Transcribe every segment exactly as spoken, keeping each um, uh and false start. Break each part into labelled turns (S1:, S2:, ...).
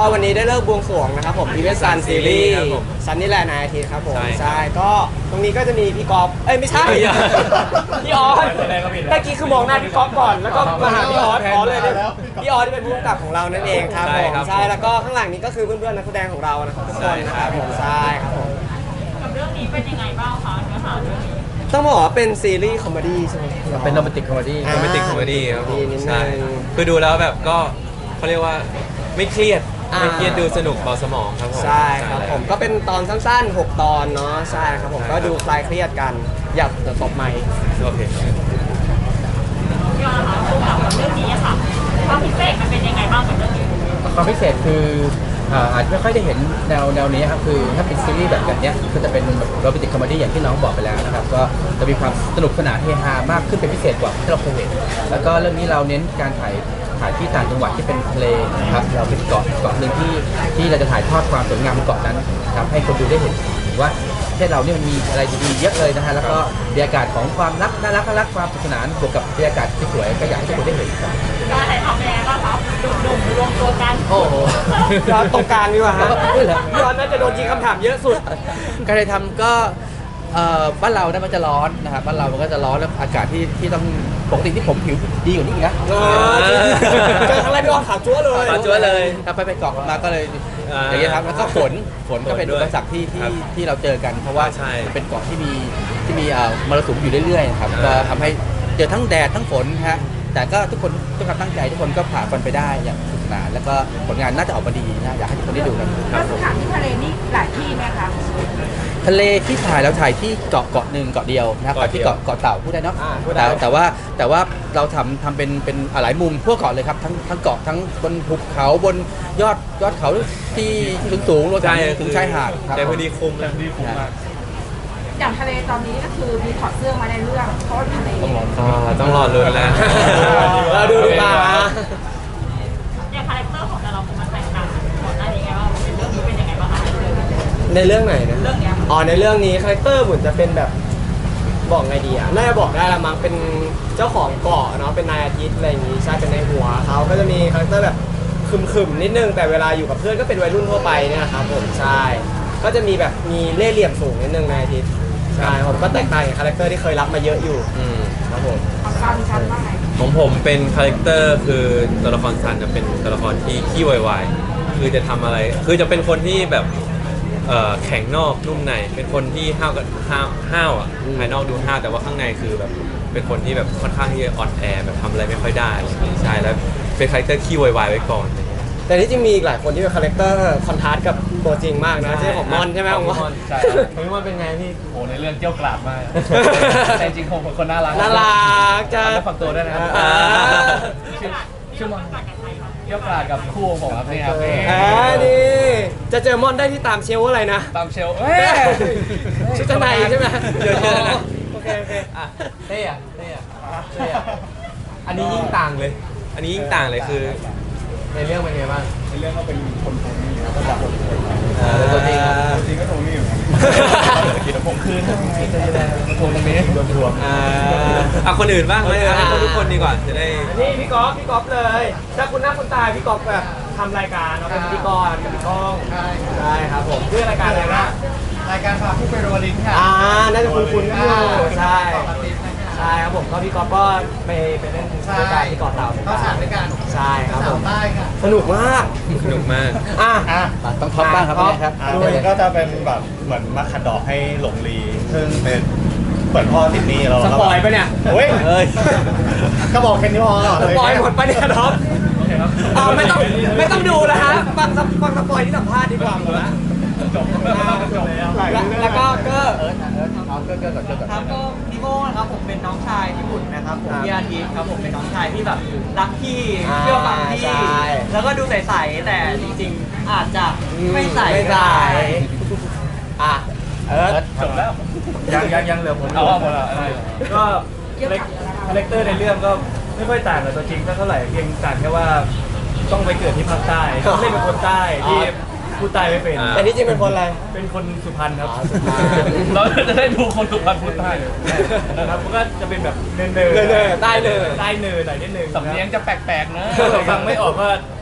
S1: วันนี้ได้เลิกบวงสรวงนะครับผมอีเวนต์ซันซีรีส์ซันนี่แหละนายอาทิตย์ครับผมใช่ก็ตรงนี้ก็จะมีพี่กอล์ฟเอ้ยไม่ใช่พี่ออสเมื่อกี้คือมองหน้าพี่กอล์ฟก่อนแล้วก็มาหาพี่ออสอ๋อเลยพี่ออสที่เป็นผู้กำกับของเรานั่นเองครับผมใช่แล้วก็ข้างหลังนี้ก็คือเพื่อนๆนักแสดงของเรานะครับทุกคนนะครับผมใช่ครับผม
S2: กับเรื่องนี้เป็นยังไงบ้างคะเนื้อหาเรื่องนี้
S1: ต้องบอกว่าเป็นซีรีส์คอมเมดี้ใช่ไหม
S3: เป็นโรแมนติกคอมเมดี้
S4: โรแมนติกคอมเมดี้ครับผม
S1: ใช่
S4: คือดูแล้วแบบก็เขาเรียกว่าไม่เครียดไม่เครียดดูสนุกเบาสมองครับผม
S1: ใช่ครับผมก็เป็นตอนสั้นๆหกตอนเนาะใช่ครับผมก็ดูคลายเครียดกันอยากตบไมค์
S4: โอเค
S2: พี่ออนะคะคู่กับเรื่องนี้ค่ะความพิเศษมันเป็นยังไงบ้างกับเรื่องนี้
S3: ความพิเศษคืออาจจะไม่ค่อยได้เห็นแนวแนวนี้ครับคือถ้าเป็นซีรีส์แบบแบบนี้ก็จะเป็นแบบโรแมนติกคอมเมดี้อย่างที่น้องบอกไปแล้วนะครับก็จะมีความสนุกสนานเฮฮามากขึ้นเป็นพิเศษกว่าที่เราเคยเห็นแล้วก็เรื่องนี้เราเน้นการถ่ายถ่ายที่ต่างจังหวัดที่เป็นทะเลนะครับเราเป็นเกาะเกาะหนึ่งที่ที่เราจะถ่ายทอดความสวยงามบนเกาะนั้นทำให้คนดูได้เห็นว่าประเทศเราเนี่ยมันมีอะไรดีๆเยอะเลยนะฮะแล้วก็บรรยากาศของความรักน่ารักน่ารักความสนุกสนานบวกกับบรรยากาศที่สวยก็อยากให้ทุกคนได้เห็นครับ
S2: การถ่ายทำยังไงบ้างครับดุ่มๆรวมตัวกัน
S3: โอ้โห
S1: ย้อนตรงกลางดีกว่าฮะย้อนน่าจะโดนยิงคำถามเยอะสุด
S3: การถ่ายทำก็บ้านเราเนี่ยมันจะร้อนนะครับบ้านเรามันก็จะร้อนแล้วอากาศที่ที่ต้องปกติที่ผมผิวดีกว่านี้อีกนะ
S1: เจอครั้งแรกพี่ออสขาวจั๊วเลย
S4: ขาวจั๊วเลย
S3: ถ้าไปไปเกาะมาก็เลยอย่างเงี้ยครับแล้วก็ฝนฝนก็เป็นอุปสรรคที่ที่ที่เราเจอกันเพราะว่าเป็นเกาะที่มีที่มีมรสุมอยู่เรื่อยๆครับก็ทำให้เจอทั้งแดดทั้งฝนฮะแต่ก็ทุกคนทุกความตั้งใจทุกคนก็ผ่านมันไปได้อย่างสนุกสนานแล้วก็ผลงานน่าจะออกมาดีนะอยากให้ทุกคนได้ดูกัน
S2: แล้วสถานที่ทะเลนี่หลายที่ไหมคะ
S3: ทะเลที่ถ่ายเราถ่ายที่เกาะเกาะหนึ่งเกาะเดียวนะครับที่เกาะเกาะเต่าพูดได้เนาะแต่แต่ว่าแต่ว่าเราทำทำเป็นเป็นหลายมุมทั่วเกาะเลยครับทั้งทั้งเกาะทั้งบนภูเขาบนยอดยอดเขาที่สูงสูงรวมถึงชายหาด
S4: แต่พอดีคุ้มเลย
S2: อย่างทะเลตอนนี้ก็คือมีถอดเสื้อมาในเรื่องเพราะทะเล
S4: ต้องรอลุ้นแล้ว
S1: เราดูดีกว่า
S2: อย่างคาแรคเตอร์ของแต่ละคนมันแตกต่างก่อนหน้านี้ไงว่าเรื่องนี้เป็นยังไงบ้างคะ
S1: ในเรื่องไหนนะ
S2: เรื่องนี้
S1: อ๋อในเรื่องนี้คาแรคเตอร์ผมจะเป็นแบบบอกไงดีอ่ะน่าจะบอกได้ละมั้งเป็นเจ้าของเกาะเนาะเป็นนายอาทิตย์อะไรอย่างงี้ใช่เป็นในหัวเขาก็จะมีคาแรคเตอร์แบบคึมๆนิดนึงแต่เวลาอยู่กับเพื่อนก็เป็นวัยรุ่นทั่วไปเนี่ยครับผมใช่ก็จะมีแบบมีเล่ห์เหลี่ยมสูงนิดนึงนายอาทิตย์ใช่ผมก็แตกต่างจากคาแรคเตอร์ที่เคยรับมาเยอะอยู่ครับผม
S2: ซันซันว่าไง
S4: ของผมเป็นคาแรคเตอร์คือตัวละครซันจะเป็นตัวละครที่ขี้วายๆคือจะทำอะไรคือจะเป็นคนที่แบบแข็งนอกนุ่มในเป็นคนที่ห้าวกับห้าวห้าวอ่ะภายนอกดูห้าวแต่ว่าข้างในคือแบบเป็นคนที่แบบค่อนข้างที่จะอ่อนแอแบบทำอะไรไม่ค่อยได้ใช่แล้วเป็นคาแรคเตอร์ขี้วายๆไว้ก่อน
S1: แต่ที่จริงมีอีกหลายคนที่เป็นคาแรคเตอร์คอนทราสต์กับตัวจริงมากนะที่ของมอนใช่ไหมของมอน
S3: ใช่ของมอนเป็นไงพี่โอ้ในเรื่องเกี่ยวกราบมากแต่จริงๆผมเป็นคนน่ารัก
S1: น่ารักจะ
S3: ฝักตัวด้วยนะครับชื่อมอนเกี่ยวกราบกับคู่ของผมครับนี่ครับ
S1: อ่านี่จะเจอมอนได้ที่ตามเชลอะไรนะ
S3: ตามเชลเฮ้ย
S1: ชุดชั้นในใช่ไหม
S3: เดี๋ยวนะ
S1: โอเคโอเค
S3: อ่ะเท่อะเท่อะเท่อะ
S4: อันนี้ยิ่งต่างเลยอันนี้ยิ่งต่างเลยคือ
S3: ในเรื่องเป็นไงบ้าง
S5: ในเรื่องเขาเป็นคนโทนี่ครับก็จากคนโทนี่
S3: ตัวจริง
S5: ตัวจริงก็โทนี่อยู่ครับกินผมคืน
S3: ทวงตรงนี้โดนทวง
S4: อ่ะคนอื่นบ้างไหมให้ทุกคนดีกว่าจะได้
S1: นี่พี่ก๊อฟพี่ก๊อฟเลยถ้าคุณหน้าคุณตาพี่ก๊อฟแบบทำรายการเนาะเป็นพิธีกรกับพี่ก้องใช่ครับผมชื่อรายการอะไรนะ
S5: รายการพาผู้ไปโรลิงค่ะ
S1: อ่าน่าจะคุ้นๆอยู่ใช่ใช่ครับผมก็พี่ก๊อฟก็ไปไปเล่นรายการที่เกาะเต่า
S5: เข้าฉากด้วยกัน
S1: ใช่ครับผม
S5: ใต้ค่ะ
S1: สนุกมาก
S4: สนุกมาก
S1: อ่ะ
S3: ต้องท็อปบ้างครับครับ
S5: ด้วยก็จะเป็นแบบเหมือนมาขัดดอกให้หลงลีซึ่งเป็นเปิดพ่อติดนี่เรา
S1: สปอยไปเนี่ย
S5: เฮ้ยก็บอกแค่นี้พอ
S1: สปอยหมดไปเนี่ยท็อปอ๋อไม่ต้องไม่ต้องดูแล้วฮะฟังฟังสปอยที่สัมภาษณ์ดีกว่าหมดละ
S5: จบจบแล้ว
S1: แล้วก็เกอร์
S3: เออเอาเกอร์เกอร์ก่อนเกอร์ก่อน
S6: ครับก็พี่โก้นะครับผมเป็นน้องชายที่บุญนะครับผมพี่อาทิตย์ครับผมเป็นน้องชายที่แบบรักพี่เชื่อฟังพี่แล้วก็ดูใสๆแต่จริงๆอาจจะไม่ใส
S1: ไม่ใสอ่ะเออ
S5: จบแล้ว
S3: ยังยังยังเหลือผม
S5: เอาหมดแล้ว
S6: ก็คาแรคเตอร์ในเรื่องก็ไม่ค่อยต่างกับตัวจริงเท่าไหร่เพียงต่างแค่ว่าต้องไปเกิดที่ภาคใต้เล่นเป็นคนใต้ที่พูดใต้ไม่เป็น
S1: แต่ที่จริงเป็นคนอะไร
S6: เป็นคนสุพรรณครับเราจะได้ดูคนสุพรรณพูดใต้นะครับมันก็จะเป็นแบบเนินเนิน
S1: ใต้เนิน
S6: ใต้เนินหน่อยนิดนึง
S3: สำเนียงจะแปลกๆนะ
S6: ฟังไม่ออกก็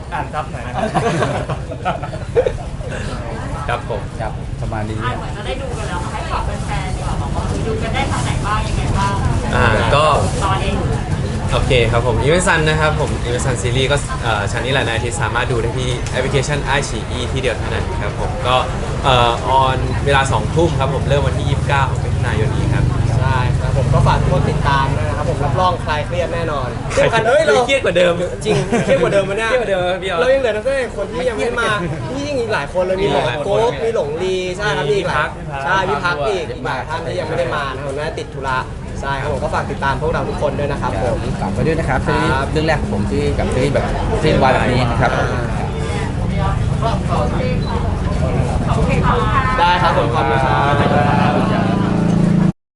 S5: อ่านซับหน่อยนะครับ
S4: ครับผม
S3: ครับประมาณนี้
S2: อ่าเหมือนจะได้ดูกันแล้วค่ะให้ฝากแฟนๆดีกว่าบอกว่าดูกันได้ทางไหนบ้างยังไงบ้าง
S4: อ่าก็
S2: ตอนเอง
S4: โอเคครับผมอีเวนซันนะครับผมอีเวนซันซีรีส์ก็เอ่อชั้นนี้แหละนายที่สามารถดูได้ที่แอปพลิเคชันไอชีอีที่เดียวเท่านั้นครับผมก็เอ่อออนเวลาสองทุ่มครับผมเริ่มวันที่ยี่สิบเก้ามิถุนายนนี้ครับ
S1: ใช่ครับผมก็ฝากทุกคนติดตามด้วยนะครับผมรับรองคลายเครียดแน่นอนที่สำคัญเฮ้ยเรา
S4: เครียดกว่าเดิม
S1: จริงเครียดกว่าเดิมมันเนี่ย
S4: เครียดกว่าเดิมครับพี่ออส
S1: เรายังเหลือนักแสดงคนที่ยังไม่มาที่ยังอีกหลายคนเลยมีหมอ
S4: หลายคน
S1: โก๊กมีหลงลีใช่ครับมีอีกหลาย
S4: พี่พัก
S1: ใช่พี่พักอีกอีกหลายท่านที่ยังไม่ได้มานะครับน่าจะติดธุระใช่ครับผมก็ฝากติดตามพวกเราทุกคนด้วยนะครับผม
S3: ฝากไว้ด้วยนะครับซีรีส์
S1: ครับ
S3: เรื่องแรกของผมที่กับซีรีส์แบบซีรีส์วายแบบนี้นะครับผม
S2: ขอบคุณค่ะ
S1: ได้ครับผมขอบคุณครับ